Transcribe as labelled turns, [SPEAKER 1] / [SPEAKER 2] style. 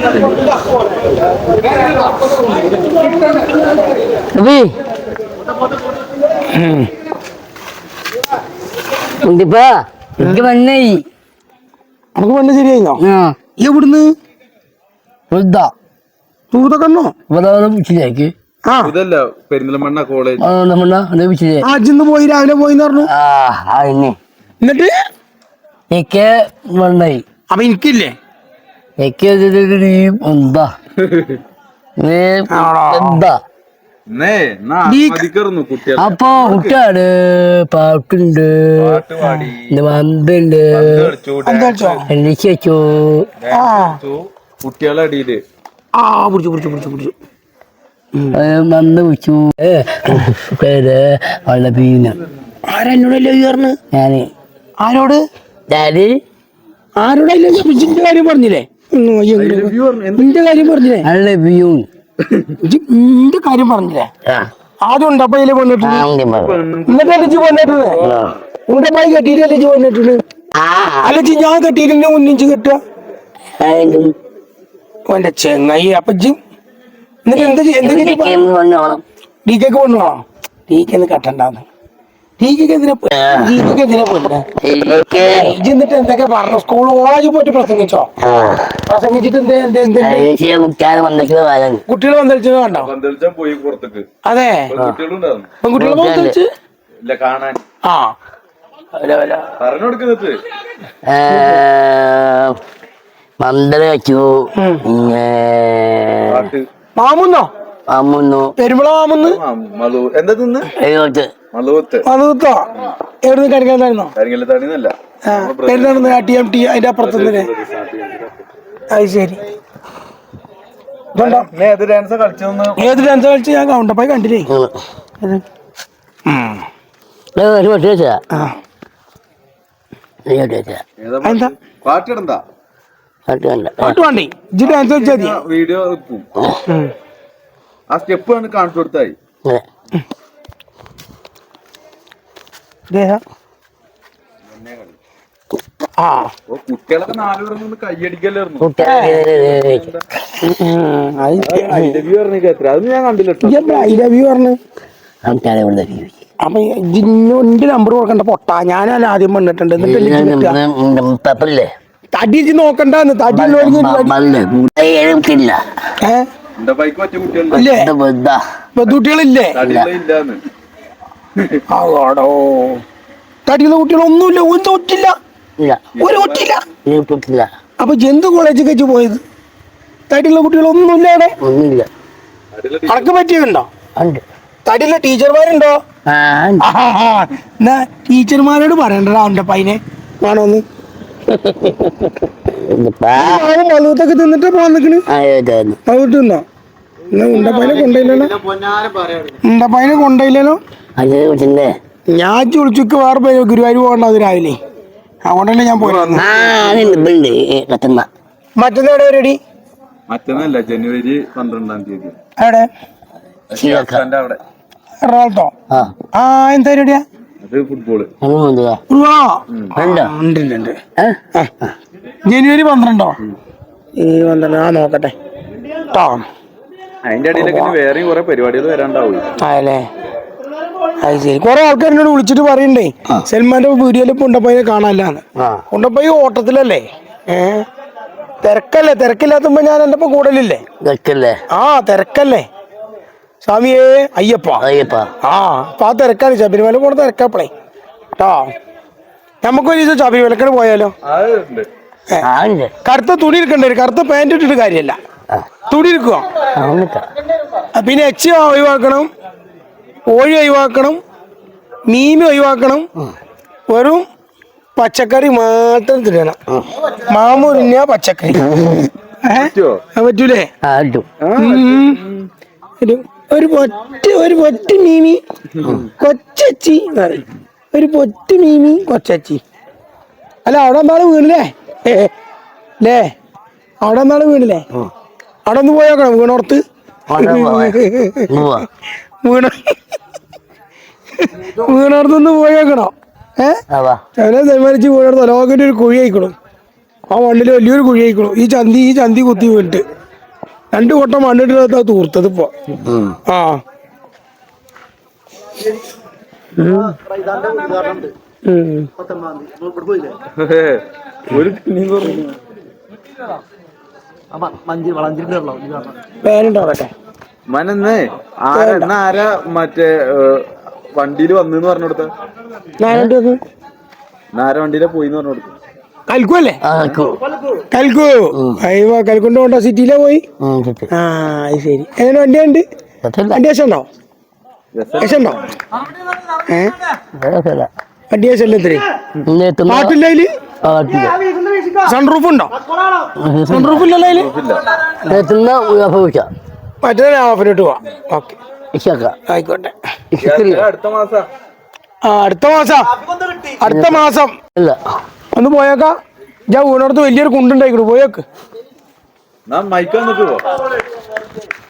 [SPEAKER 1] എനിക്ക് മണ്ണായി
[SPEAKER 2] നമുക്ക് മണ്ണ് ശരിയായിന്നോ എവിടുന്ന് തൂതക്കണ്ണോ
[SPEAKER 1] പിടിച്ചില്ലേക്ക്
[SPEAKER 2] അജിന്ന് പോയി രാവിലെ പോയിന്ന് പറഞ്ഞു എന്നിട്ട്
[SPEAKER 1] എനിക്ക് മണ്ണായി
[SPEAKER 2] അപ്പൊ എനിക്കില്ലേ
[SPEAKER 1] എനിക്ക് എന്താ എന്താ അപ്പൊ കുട്ടിയാണ് പാട്ടുണ്ട് മന്തുണ്ട് എനിക്ക് വെച്ചു
[SPEAKER 3] കുട്ടികളടിയില്
[SPEAKER 1] മന്ത് വെച്ചു വള്ളപ്പീന
[SPEAKER 2] ആരെന്നോടല്ലേ ഉയർന്ന്
[SPEAKER 1] ഞാന്
[SPEAKER 2] ആരോട്
[SPEAKER 1] ഡാഡി
[SPEAKER 2] ആരോടല്ലേ ഇന്റെ കാര്യം പറഞ്ഞില്ലേ നിന്റെ കാര്യം പറഞ്ഞില്ലേ
[SPEAKER 1] വള്ളപ്പീൻ
[SPEAKER 2] നിന്റെ കാര്യം പറഞ്ഞില്ലേ ആദ്യം ഉണ്ടപ്പയില് വന്നിട്ടുണ്ട് എന്നിട്ടല്ലേ ജി വന്നിട്ടുണ്ട് ഉണ്ടപ്പായി കെട്ടിയിട്ടല്ലേ ജി വന്നിട്ടുണ്ട് അല്ല ജി ഞാൻ കെട്ടിയിട്ടിന്റെ മുന്നിച്ച് കെട്ടുക ഓന്റെ ചെങ്ങായി അപ്പൊ ജി എന്നിട്ട് എന്താ ഡി കെക്ക് കൊണ്ടുപോകണോ ഡി കെന്ന് കെട്ടണ്ടാന്ന് ഡി കെക്ക് എന്തിനാ എന്നിട്ട് എന്തൊക്കെ പറഞ്ഞു സ്കൂൾ കോളേജിൽ പോയിട്ട് പ്രസംഗിച്ചോ പ്രസംഗിച്ചിട്ട് കുട്ടികൾ വന്നിച്ചത് കണ്ടോ അതെ പെൺകുട്ടികൾ വന്നിച്ച് ആ
[SPEAKER 1] മന്ദര വെച്ചു
[SPEAKER 2] മാമുന്നോ പെരുമ്പള മാമുന്ന് മലൂത്തോ എവിടുന്ന് കരിങ്ങാത്തായിരുന്നോ പെരുന്നാണെന്ന് TMT അതിന്റെ അപ്പുറത്തുനിന്ന് അത് ശരി ഏത് ഡാൻസ് കളിച്ച് ഞാൻ കൗണ്ടപ്പായി കണ്ടില്ലേ എന്താ പാട്ട് വേണ്ടി ഇജ്ജ് ഡാൻസ് കളിച്ചാൽ മതി
[SPEAKER 3] വീഡിയോ ആ സ്റ്റെപ്പ് ആണ് കാണിച്ചു കൊടുത്തായി കുട്ടികളൊക്കെ 4 പേരൊന്നും കൈയടിക്കല്ലായിരുന്നു അത് ഞാൻ കണ്ടില്ല
[SPEAKER 2] അപ്പൊ എന്റെ നമ്പർ കൊടുക്കണ്ട പൊട്ടാ ഞാനല്ല ആദ്യം വന്നിട്ടുണ്ട് തടി നോക്കണ്ടെന്ന് തടി കുട്ടികളില്ലേ ആടോ തടിയുള്ള കുട്ടികളൊന്നുമില്ല ഒരു ഒറ്റില്ല അപ്പൊ ജന്തു കോളേജിൽ വെച്ച് പോയത് തടിയുള്ള കുട്ടികളൊന്നുമില്ല അവിടെ കണക്ക് പറ്റിയുണ്ടോ തടിയുള്ള ടീച്ചർമാരുണ്ടോ എന്നാ ടീച്ചർമാരോട് പറയണ്ടടാ അവന്റെ പൈനെ വേണോന്ന് മലൂത്തൊക്കെ തിന്നിട്ട് പോവാൻ നിക്കണ് മലൂത്ത് തിന്നോ എന്നാ ഉണ്ടപ്പൈനെ കൊണ്ടയില്ലല്ലോ ഞാൻ ചുളിച്ചുക്ക് വേറെ പോയി ഗുരുവായൂർ പോകണ്ട അത് രാവിലെ അതുകൊണ്ടല്ലേ ഞാൻ പോയി മറ്റന്നാ എവിടെ പരിപാടി
[SPEAKER 3] മറ്റന്നല്ല ജനുവരി 12-ാം തീയതി
[SPEAKER 2] എവിടെ എറണാകുളത്തോ എന്താ പരിപാടിയാ
[SPEAKER 3] ഫുട്ബോള്
[SPEAKER 2] ജനുവരി 12 ഈ 12 നോക്കട്ടെ കേട്ടോ
[SPEAKER 3] അതിന്റെ ഇടയിലൊക്കെ വേറെയും കുറെ പരിപാടികൾ വരാണ്ടാവും
[SPEAKER 2] അതല്ലേ അത് ശരി കുറെ ആൾക്കാരിനോട് വിളിച്ചിട്ട് പറയണ്ടേ സൽമാന്റെ വീഡിയോയില് ഉണ്ടപ്പയ്യെ കാണാനില്ലാന്ന് ഉണ്ടപ്പയ്യ ഓട്ടത്തിലല്ലേ തിരക്കില്ലാത്തുമ്പോ ഞാൻ എന്റെ ഒപ്പം കൂടലില്ലേ തിരക്കല്ലേ സ്വാമിയേ അയ്യപ്പ അപ്പൊ ആ തിരക്കാണ് ശബരിമല പോണ തിരക്കാപ്പളേ കേട്ടോ നമുക്കൊരു ദിവസം ശബരിമലക്കട് പോയാലോ കറുത്ത തുണി എടുക്കണ്ടേ കറുത്ത പാൻറ് ഇട്ടിട്ട് കാര്യമല്ല തുണി എടുക്കുക പിന്നെ എച്ചി ഒഴിവാക്കണം കോഴി ഒഴിവാക്കണം മീൻ ഒഴിവാക്കണം വെറും പച്ചക്കറി മാത്രം തിന്നണം മാമൂരിഞ്ഞ പച്ചക്കറി പറ്റൂലേ ഒരു പൊറ്റ മീമി കൊച്ചി ഒരു പൊറ്റ മീമി കൊച്ചി അല്ല അവിടെ എന്താള് വീണില്ലേ അവിടെ എന്താള് വീണില്ലേ അവിടെ ഒന്ന് പോയോക്കണം വീണോർത്ത് വീണോർത്തൊന്ന് പോയേക്കണോ തീരുമാനിച്ച് വീണോർത്ത് ലോകന്റെ ഒരു കുഴി ആയിക്കോളും ആ മണ്ണിൽ വലിയൊരു കുഴി ആയിക്കണു. ഈ ചന്തി കുത്തി വീണിട്ട് 2 കൊട്ടം മണ്ണിട്ട് തൂർത്തത് ഇപ്പൊ. ആ
[SPEAKER 3] ഒരു
[SPEAKER 2] പേരുണ്ടാവട്ടെ
[SPEAKER 3] മനന്ന് ആരാ മറ്റേ വണ്ടിയിൽ വന്നെന്ന് പറഞ്ഞു കൊടുത്ത ആരാ വണ്ടിയിലെ പോയിന്ന് പറഞ്ഞു കൊടുത്തു.
[SPEAKER 2] കൽക്കു അല്ലേ? കൽക്കു അയ്യോ കൽക്കുണ്ട് കൊണ്ടോ സിറ്റിയിലെ പോയി. ആ അത് ശരി. എങ്ങനെ വണ്ടിയുണ്ട്? വണ്ടി ആശുണ്ടോ? ആശുണ്ടോ? വണ്ടി ആശല്ല എത്ര പാട്ടില്ല അതില്? സൺറൂഫ് ഉണ്ടോ? സൺറൂഫ് ഇല്ലല്ലോ അതില്? മറ്റേ ഹാഫിലോട്ട് പോവാം. ഓക്കെ ആയിക്കോട്ടെ. അടുത്ത മാസം ഒന്ന് പോയേക്കാ. ഞാൻ വീണടുത്ത് വലിയൊരു കുണ്ടുണ്ടായിക്കണു, പോയേക്ക്.
[SPEAKER 3] മൈക്ക് വന്നിട്ട് പോ.